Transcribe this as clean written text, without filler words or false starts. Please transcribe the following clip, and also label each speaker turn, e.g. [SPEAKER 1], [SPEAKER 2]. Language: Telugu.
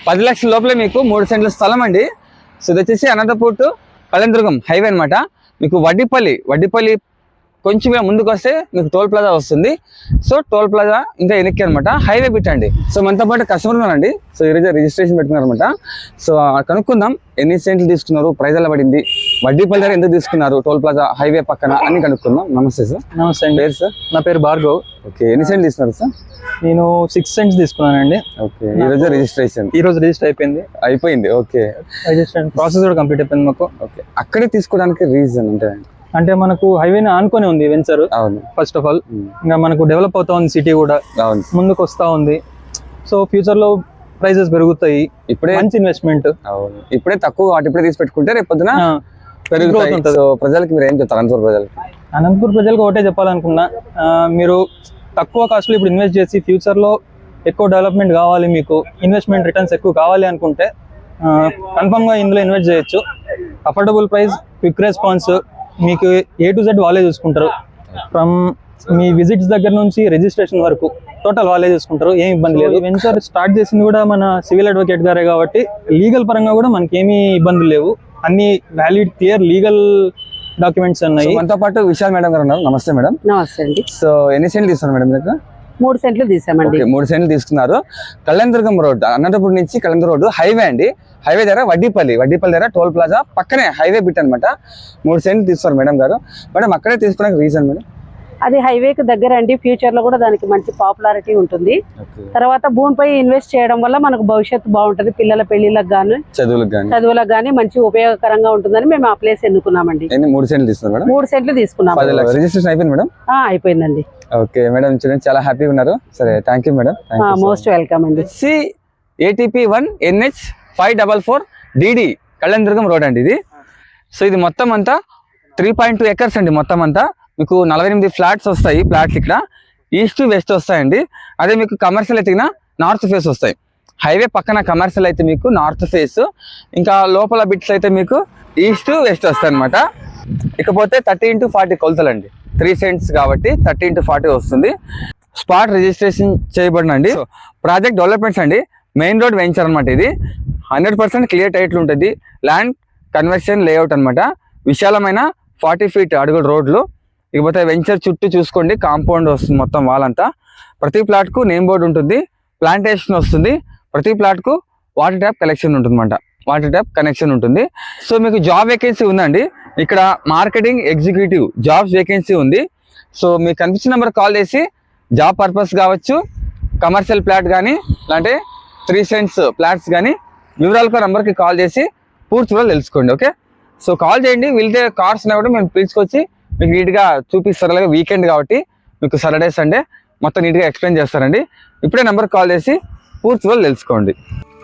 [SPEAKER 1] 10 లక్షల లోపలే మీకు 3 సెంట్ల స్థలం అండి. సో ఇది వచ్చేసి అనంతపూర్ టు కళ్యాణదుర్గం హైవే అనమాట. మీకు వడ్డిపల్లి కొంచెం ముందుకు వస్తే మీకు టోల్ ప్లాజా వస్తుంది. సో టోల్ ప్లాజా ఇంకా వెనక్కి అనమాట, హైవే బిట్ అండి. సో మనతో పాటు కస్టమర్ ఉన్నారండి. సో ఈరోజు రిజిస్ట్రేషన్ పెట్టుకున్నారు అనమాట. సో కనుక్కుందాం ఎన్ని సెంట్లు తీసుకున్నారు, ప్రైజ్ ఎలా పడింది, వడ్డీపల్లి దగ్గర ఎందుకు తీసుకున్నారు, టోల్ ప్లాజా హైవే పక్కన అని కనుక్కుందాం. నమస్తే సార్.
[SPEAKER 2] నమస్తే అండి.
[SPEAKER 1] పేరు సార్?
[SPEAKER 2] నా పేరు భార్గవ్.
[SPEAKER 1] ఓకే, ఎన్ని సెంట్లు తీసుకున్నారు సార్?
[SPEAKER 2] నేను 6 సెంట్స్ తీసుకున్నానండి.
[SPEAKER 1] ఓకే, ఈరోజు రిజిస్ట్రేషన్
[SPEAKER 2] రిజిస్టర్ అయిపోయింది.
[SPEAKER 1] ఓకే,
[SPEAKER 2] రిజిస్ట్రేషన్ ప్రాసెస్ కూడా కంప్లీట్ అయిపోయింది మాకు.
[SPEAKER 1] ఓకే, అక్కడే తీసుకోవడానికి రీజన్
[SPEAKER 2] అంటే మనకు హైవేని ఆనుకొని ఉంది వెంచర్.
[SPEAKER 1] అవును,
[SPEAKER 2] ఫస్ట్ ఆఫ్ ఆల్ ఇంకా మనకు డెవలప్ అవుతా ఉంది, సిటీ కూడా ముందుకు వస్తా ఉంది. సో ఫ్యూచర్ లో ప్రైజెస్ పెరుగుతాయి. ఇప్పుడే మంచి ఇన్వెస్ట్మెంట్.
[SPEAKER 1] అవును, ఇప్పుడే తక్కువ వాటి ఇప్పుడే తీసి పెట్టుకుంటే రేపు పొద్దున పెరుగుతుంది. సో ప్రజలకి మీరు ఏం చెప్తారు?
[SPEAKER 2] అనంతపూర్ ప్రజలకు ఒకటే చెప్పాలనుకున్నా, మీరు తక్కువ కాస్ట్ లో ఇప్పుడు ఇన్వెస్ట్ చేసి ఫ్యూచర్ లో ఎక్కువ డెవలప్మెంట్ కావాలి, మీకు ఇన్వెస్ట్మెంట్ రిటర్న్స్ ఎక్కువ కావాలి అనుకుంటే కన్ఫర్మ్ గా ఇందులో ఇన్వెస్ట్ చేయొచ్చు. అఫోర్డబుల్ ప్రైస్, క్విక్ రెస్పాన్స్, మీకు A to Z వాళ్ళే చూసుకుంటారు. ఫ్రమ్ మీ విజిట్స్ దగ్గర నుంచి రిజిస్ట్రేషన్ వరకు టోటల్ వాళ్ళే చూసుకుంటారు, ఏం ఇబ్బంది లేదు. వెంచర్ స్టార్ట్ చేసింది కూడా మన సివిల్ అడ్వకేట్ గారే కాబట్టి లీగల్ పరంగా కూడా మనకి ఏమీ ఇబ్బందులు లేవు. అన్ని వ్యాలిడ్ క్లియర్ లీగల్ డాక్యుమెంట్స్ ఉన్నాయి.
[SPEAKER 1] మనతో పాటు విశాల్ మేడం గారు ఉన్నారు. నమస్తే మేడం.
[SPEAKER 3] నమస్తే అండి.
[SPEAKER 1] సో ఎన్ని సెంట్లు తీసుకున్నారు మేడం మీకు?
[SPEAKER 3] 3 సెంట్లు తీసామండి.
[SPEAKER 1] 3 సెంట్లు తీసుకున్నారు. కళ్యాణదుర్గం రోడ్, అనంతపురం నుంచి కళ్యాణదుర్గం రోడ్ హైవే అండి. హైవే దగ్గర వడ్డీపల్లి దగ్గర టోల్ ప్లాజా పక్కనే హైవే బిట్ అనమాట. 3 సెంట్లు తీస్తారు మేడం గారు. మేడం అక్కడే తీసుకోవడానికి రీజన్ మేడం?
[SPEAKER 3] అది హైవేకి దగ్గర అండి. ఫ్యూచర్ లో కూడా దానికి మంచి పాపులారిటీ ఉంటుంది. తర్వాత భూమిపై ఇన్వెస్ట్ చేయడం వల్ల మనకు భవిష్యత్తు బాగుంటది. పిల్లల పెళ్లిళ్ళకి గానీ చదువులకు గానీ మంచి ఉపయోగకరంగా ఉంటుందని మేము ఆ ప్లేస్ ఎన్నుకున్నామండి.
[SPEAKER 1] 3 సెంట్లు తీసుకున్నారు మేడం?
[SPEAKER 3] 3 సెంట్లు తీసుకున్నాం.
[SPEAKER 1] రిజిస్ట్రేషన్ అయిపోయింది మేడం?
[SPEAKER 3] అయిపోయిందండి.
[SPEAKER 1] ఓకే మేడం, చాలా హ్యాపీగా ఉన్నారు. సరే, thank you madam.
[SPEAKER 3] Most welcome అండి.
[SPEAKER 1] ATP 1 NH 544 DD Kalyandurgam road అండి ఇది. సో ఇది మొత్తం అంతా 3.2 acres అండి. మొత్తం అంతా మీకు 48 ఫ్లాట్స్ వస్తాయి. ఫ్లాట్స్ ఇక్కడ ఈస్ట్ వెస్ట్ వస్తాయండి. అదే మీకు కమర్షియల్ అయితే నార్త్ ఫేస్ వస్తాయి. హైవే పక్కన కమర్షియల్ అయితే మీకు నార్త్ ఫేస్, ఇంకా లోపల బిట్స్ అయితే మీకు ఈస్ట్ వెస్ట్ వస్తాయి అనమాట. ఇకపోతే 30x40 కొలతలు అండి. 3 సెంట్స్ కాబట్టి 30x40 వస్తుంది. స్పాట్ రిజిస్ట్రేషన్ చేయబడినండి. ప్రాజెక్ట్ డెవలప్మెంట్స్ అండి. మెయిన్ రోడ్ వెంచర్ అనమాట. ఇది 100% క్లియర్ టైటిల్ ఉంటుంది. ల్యాండ్ కన్వర్షన్ లేఅవుట్ అనమాట. విశాలమైన 40 feet అడుగుల రోడ్లు. ఇకపోతే వెంచర్ చుట్టూ చూసుకోండి, కాంపౌండ్ వస్తుంది మొత్తం వాళ్ళంతా. ప్రతి ప్లాట్కు నేమ్ బోర్డు ఉంటుంది, ప్లాంటేషన్ వస్తుంది. ప్రతి ప్లాట్కు వాటర్ ట్యాప్ కనెక్షన్ ఉంటుంది. సో మీకు జాబ్ వేకెన్సీ ఉందండి. ఇక్కడ మార్కెటింగ్ ఎగ్జిక్యూటివ్ జాబ్స్ వేకెన్సీ ఉంది. సో మీకు కనిపించిన నెంబర్ కాల్ చేసి జాబ్ పర్పస్ కావచ్చు, కమర్షియల్ ప్లాట్ కానీ లేదంటే 3 సెంట్స్ ప్లాట్స్ కానీ వివరాలకు నెంబర్కి కాల్ చేసి పూర్తిగా తెలుసుకోండి. ఓకే, సో కాల్ చేయండి. వెళ్తే కార్స్ కూడా మేము పిలుచుకొచ్చి మీకు నీట్గా చూపిస్తారు. అలాగే వీకెండ్ కాబట్టి మీకు సాటర్డే సండే మొత్తం నీట్గా ఎక్స్ప్లెయిన్ చేస్తారండి. ఇప్పుడే నెంబర్కి కాల్ చేసి పూర్తిగా తెలుసుకోండి.